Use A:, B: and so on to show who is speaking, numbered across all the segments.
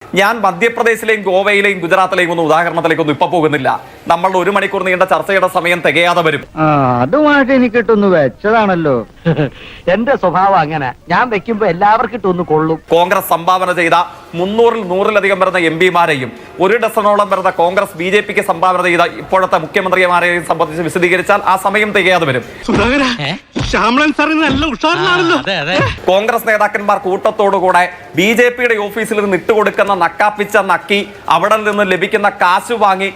A: ഞാൻ മധ്യപ്രദേശിലെയും ഗോവയിലെയും ഗുജറാത്തിലെയും ഒന്നും ഉദാഹരണത്തിലേക്കൊന്നും ഇപ്പൊ പോകുന്നില്ല. നമ്മളുടെ 1 മണിക്കൂർ നീണ്ട ചർച്ചയുടെ സമയം തികയാതെ വരും.
B: അതുമായിട്ട് എനിക്കിട്ടൊന്ന് വെച്ചതാണല്ലോ. എന്റെ സ്വഭാവം അങ്ങനെ, ഞാൻ വെക്കുമ്പോ എല്ലാവർക്കും ഇട്ടൊന്ന് കൊള്ളും.
A: കോൺഗ്രസ് സംഭാവന ചെയ്ത 300-ൽ 100-ലധികം വരുന്ന MP-മാരെയും 1 ഡസനോളം വരുന്ന കോൺഗ്രസ് BJP-ക്ക് സംഭാവന ചെയ്ത ഇപ്പോഴത്തെ മുഖ്യമന്ത്രിമാരെയും സംബന്ധിച്ച് വിശദീകരിച്ചാൽ ആ സമയം തികയാതെ വരും. കോൺഗ്രസ് നേതാക്കന്മാർ കൂട്ടത്തോടുകൂടെ BJP-യുടെ ഓഫീസിൽ നിന്ന് ഇട്ടുകൊടുക്കുന്ന നക്കാപ്പിച്ച നക്കി അവിടെ നിന്ന് ലഭിക്കുന്ന കാശ് വാങ്ങി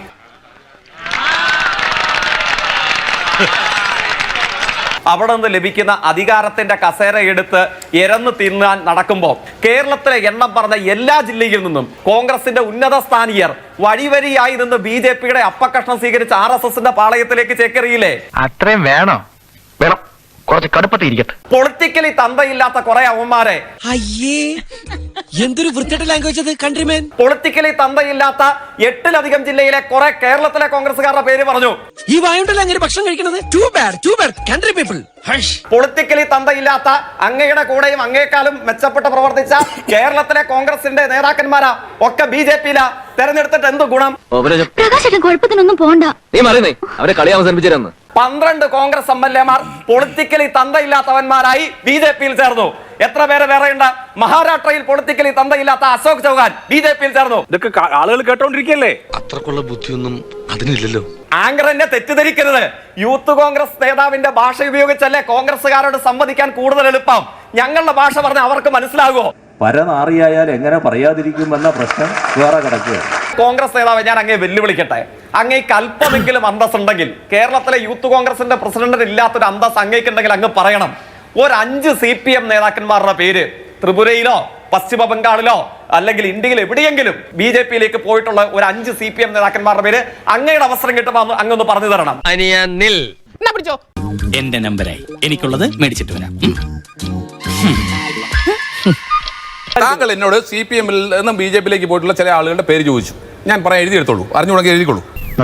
A: അവിടെ നിന്ന് ലഭിക്കുന്ന അധികാരത്തിന്റെ കസേര എടുത്ത് എരന്ന് തിന്നാൻ നടക്കുമ്പോൾ കേരളത്തിലെ എണ്ണം പറഞ്ഞ എല്ലാ ജില്ലയിൽ നിന്നും കോൺഗ്രസിന്റെ ഉന്നത സ്ഥാനീയർ വഴിവരിയായി നിന്ന് BJP-യുടെ അപ്പക്കഷ്ണം സ്വീകരിച്ച് RSSന്റെ പാളയത്തിലേക്ക് ചേക്കേറിയില്ലേ?
B: അത്രയും വേണോ? വേണം, കുറച്ച് കടുപ്പത്തിരിക്കട്ടെ.
A: പൊളിറ്റിക്കലി തന്തയില്ലാത്ത കുറെ അവന്മാരെ,
C: അയ്യേ എന്തൊരു വൃത്തിയുടെ ലാംഗ്വേജ് അത് കൺട്രിമേൻ.
A: പൊളിറ്റിക്കലി തന്തയില്ലാത്ത 8-ലധികം ജില്ലയിലെ കുറെ കേരളത്തിലെ കോൺഗ്രസ്സുകാരുടെ പേര് പറഞ്ഞു.
C: ഈ വായുണ്ടല്ലോ അങ്ങനെ ഭക്ഷണം കഴിക്കുന്നത്. Too bad country people.
A: Politically തന്തയില്ലാത്ത അങ്ങയുടെ കൂടെയും അങ്ങേക്കാളും മെച്ചപ്പെട്ട് പ്രവർത്തിച്ച കേരളത്തിലെ കോൺഗ്രസിന്റെ നേതാക്കന്മാരാ ഒക്കെ BJP-യിലാ. തെരഞ്ഞെടുത്തിട്ട് എന്ത് ഗുണം?
D: കുഴപ്പത്തിനൊന്നും പോണ്ട.
E: നീ മറിയുന്നേ, അവരെ കളി അവസാനിപ്പിച്ചിരുന്നു.
A: 12 കോൺഗ്രസ് MLA-മാർ പൊളിറ്റിക്കലി തന്തയില്ലാത്തവന്മാരായി BJP-യിൽ ചേർന്നു. എത്ര പേര് വേറെയുണ്ട്? മഹാരാഷ്ട്രയിൽ പൊളിറ്റിക്കലി തന്തയില്ലാത്ത അശോക് ചൗഹാൻ BJP-യിൽ ചേർന്നു.
F: ഇതൊക്കെ ആളുകൾ കേട്ടോണ്ടിരിക്കല്ലേ?
G: അത്രക്കുള്ള ബുദ്ധിയൊന്നും അതിനില്ലല്ലോ.
A: ആങ്കർ എന്നെ തെറ്റിദ്ധരിക്കരുത്. യൂത്ത് കോൺഗ്രസ് നേതാവിന്റെ ഭാഷ ഉപയോഗിച്ചല്ലേ കോൺഗ്രസ്സുകാരോട് സംവദിക്കാൻ കൂടുതൽ എളുപ്പം. ഞങ്ങളുടെ ഭാഷ പറഞ്ഞ അവർക്ക് മനസ്സിലാകുമോ?
H: പരനാറിയായാൽ എങ്ങനെ പറയാതിരിക്കുമെന്ന പ്രശ്നം വേറെ കിടക്കുക.
A: കോൺഗ്രസ് നേതാവ്, ഞാൻ അങ്ങേ വെല്ലുവിളിക്കട്ടെ. അങ്ങേക്ക് അല്പമെങ്കിലും അന്തസ്സുണ്ടെങ്കിൽ, കേരളത്തിലെ യൂത്ത് കോൺഗ്രസിന്റെ പ്രസിഡന്റിന് ഇല്ലാത്തൊരു അന്തസ് അങ്ങേക്കുണ്ടെങ്കിൽ അങ്ങ് പറയണം. ഒരു 5 CPM നേതാക്കന്മാരുടെ പേര് ത്രിപുരയിലോ പശ്ചിമ ബംഗാളിലോ അല്ലെങ്കിൽ ഇന്ത്യയിൽ എവിടെയെങ്കിലും BJP-യിലേക്ക് പോയിട്ടുള്ള ഒരു 5 CPM നേതാക്കന്മാരുടെ പേര് അങ്ങയുടെ അവസരം കിട്ടുമ്പോൾ അങ്ങൊന്ന് പറഞ്ഞു തരണം.
C: എന്റെ നമ്പറായി എനിക്കുള്ളത് മേടിച്ചിട്ട് വരാം.
F: താങ്കൾ എന്നോട് CPM-ൽ നിന്നും BJP-യിലേക്ക് പോയിട്ടുള്ള ചില ആളുകളുടെ പേര് ചോദിച്ചു. ഞാൻ പറയാൻ എഴുതിയെടുത്തോളൂ, അറിഞ്ഞുകൂടെങ്കിൽ എഴുതിക്കോളൂ.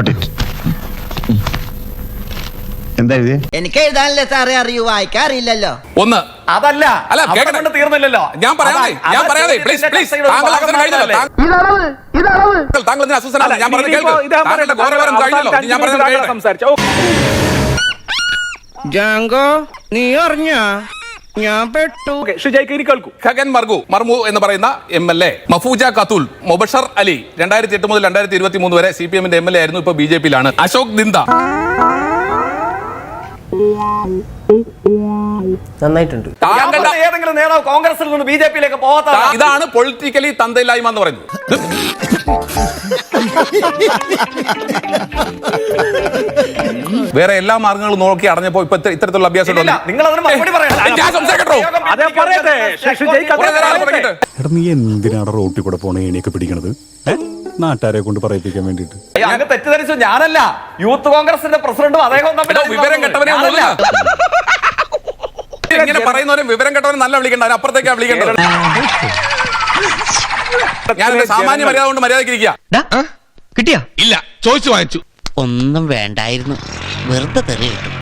I: എന്താ എഴുതിയേ?
B: എനിക്ക് എഴുതാനല്ലേ സാറേ അറിയൂ, വായിക്കാറില്ലല്ലോ.
F: ഒന്ന്
A: അതല്ല,
F: അല്ല,
A: കേൾക്കണ്ട, തീർന്നില്ലല്ലോ.
F: ഞാൻ പറയാതെ പ്ലീസ് താങ്കൾ അവസരം കഴിഞ്ഞല്ലോ. താങ്കൾ ഇതിന് അസ്വസ്ഥനാണ്. ഞാൻ പറഞ്ഞത് കേൾക്ക്. താങ്കളുടെ ഗൗരവം കഴിഞ്ഞല്ലോ. ഞാൻ പറഞ്ഞത് സംസാരിച്ചു.
C: ജാങ്കോ, നീ അറിഞ്ഞ ഞാൻ പെട്ടു.
F: ഖഗൻ മർമു എന്ന് പറയുന്ന MLA, മഫൂജ ഖത്തൂൽ, മുബഷർ അലി 2008 മുതൽ 2023 വരെ CPM-ന്റെ MLA ആയിരുന്നു. ഇപ്പൊ BJP-യിലാണ്. അശോക് ദിന്ദ
E: നന്നായിട്ടുണ്ട്.
A: ഏതെങ്കിലും നേതാവ് കോൺഗ്രസിൽ നിന്ന് BJP-യിലേക്ക് പോകാത്ത
F: ഇതാണ് പൊളിറ്റിക്കലി തന്തയില്ലായ്മ എന്ന് പറയുന്നത്. വേറെ എല്ലാ മാർഗങ്ങളും നോക്കി അടഞ്ഞപ്പോ ഇപ്പൊ ഇത്തരത്തിലുള്ള അഭ്യാസം
A: നിങ്ങൾ അതിന് മറുപടി പറയണം.
I: നീ എന്തിനാണ് റോട്ടിൽ കൂടെ പോണ ഏണിയൊക്കെ പിടിക്കണത്? നാട്ടുകാരെ കൊണ്ട് പറയിപ്പിക്കാൻ വേണ്ടിട്ട്.
A: അങ്ങ് തെറ്റിദ്ധരിച്ചു. ഞാനല്ല, യൂത്ത് കോൺഗ്രസിന്റെ പ്രസിഡന്റും അദ്ദേഹവും തമ്മിൽ
F: വിവരം കെട്ടവനെ ഇങ്ങനെ പറയുന്നവരും വിവരം കെട്ടവനെ നല്ല വിളിക്കണ്ട, അതിനപ്പുറത്തേക്കാ വിളിക്കേണ്ടത്. ഞാൻ സാമാന്യ മര്യാദ കൊണ്ട് മര്യാദയ്ക്ക് ഇരിക്കുക.
C: കിട്ടിയാ?
G: ഇല്ല, ചോദിച്ചു വാങ്ങിച്ചു.
C: ഒന്നും വേണ്ടായിരുന്നു, വെറുതെ തെറി കിട്ടും.